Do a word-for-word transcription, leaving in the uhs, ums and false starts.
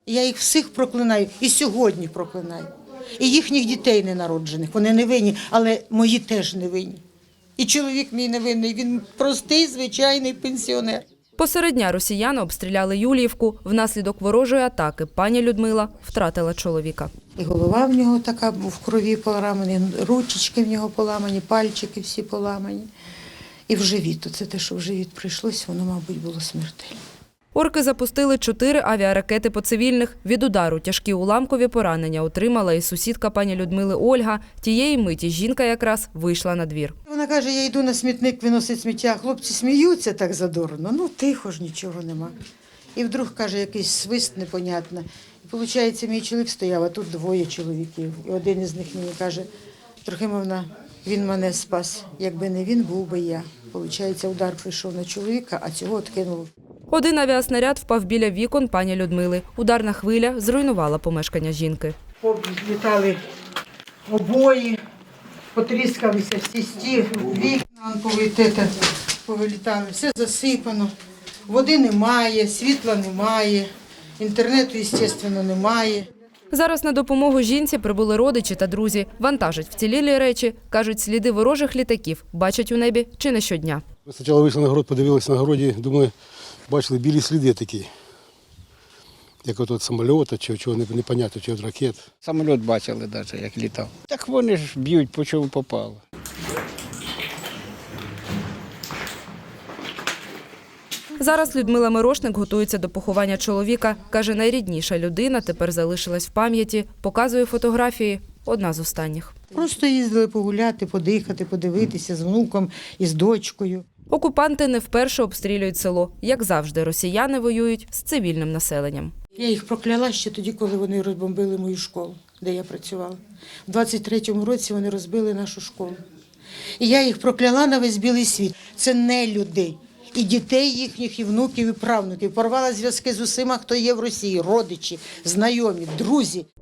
Я їх всіх проклинаю і сьогодні проклинаю. І їхніх дітей ненароджених, вони не винні, але мої теж не винні. І чоловік мій не винний, він простий, звичайний пенсіонер. Посеред дня росіяни обстріляли Юліївку. Внаслідок ворожої атаки пані Людмила втратила чоловіка. І голова в нього така в крові поламані, ручечки в нього поламані, пальчики всі поламані. І в живіт, це те, що в живіт прийшлось, воно, мабуть, було смертельне. Орки запустили чотири авіаракети по цивільних. Від удару тяжкі уламкові поранення отримала і сусідка пані Людмили Ольга. Тієї миті жінка якраз вийшла на двір. Вона каже, я йду на смітник виносити сміття. Хлопці сміються так задорно. Ну, тихо ж, нічого нема. І вдруг, каже, якийсь свист непонятний. І, виходить, мій чоловік стояв, а тут двоє чоловіків. І один із них мені каже, Трохимовна, він мене спас. Якби не він, був би я. Виходить, удар прийшов на чоловіка, а цього відкинуло. Один авіаснаряд впав біля вікон пані Людмили. Ударна хвиля зруйнувала помешкання жінки. Літали обої, потріскалися всі стіни, вікна повилітали, все засипано. Води немає, світла немає, інтернету, звісно, немає. Зараз на допомогу жінці прибули родичі та друзі. Вантажать вцілілі речі. Кажуть, сліди ворожих літаків бачать у небі чи не щодня. Ми спочатку вийшли на город, подивилися на городі, думаю, бачили білі сліди такі. Як от самоліта, чи чого непонятно, чи від ракет. Самоліт бачили навіть, як літав. Так вони ж б'ють, по чому попало. Зараз Людмила Мирошник готується до поховання чоловіка. Каже, найрідніша людина тепер залишилась в пам'яті. Показує фотографії. Одна з останніх. Просто їздили погуляти, подихати, подивитися з внуком і з дочкою. Окупанти не вперше обстрілюють село. Як завжди, росіяни воюють з цивільним населенням. Я їх прокляла ще тоді, коли вони розбомбили мою школу, де я працювала. У двадцять третьому році вони розбили нашу школу. І я їх прокляла на весь білий світ. Це не люди. І дітей їхніх, і внуків, і правнуків. Порвала зв'язки з усіма, хто є в Росії, родичі, знайомі, друзі.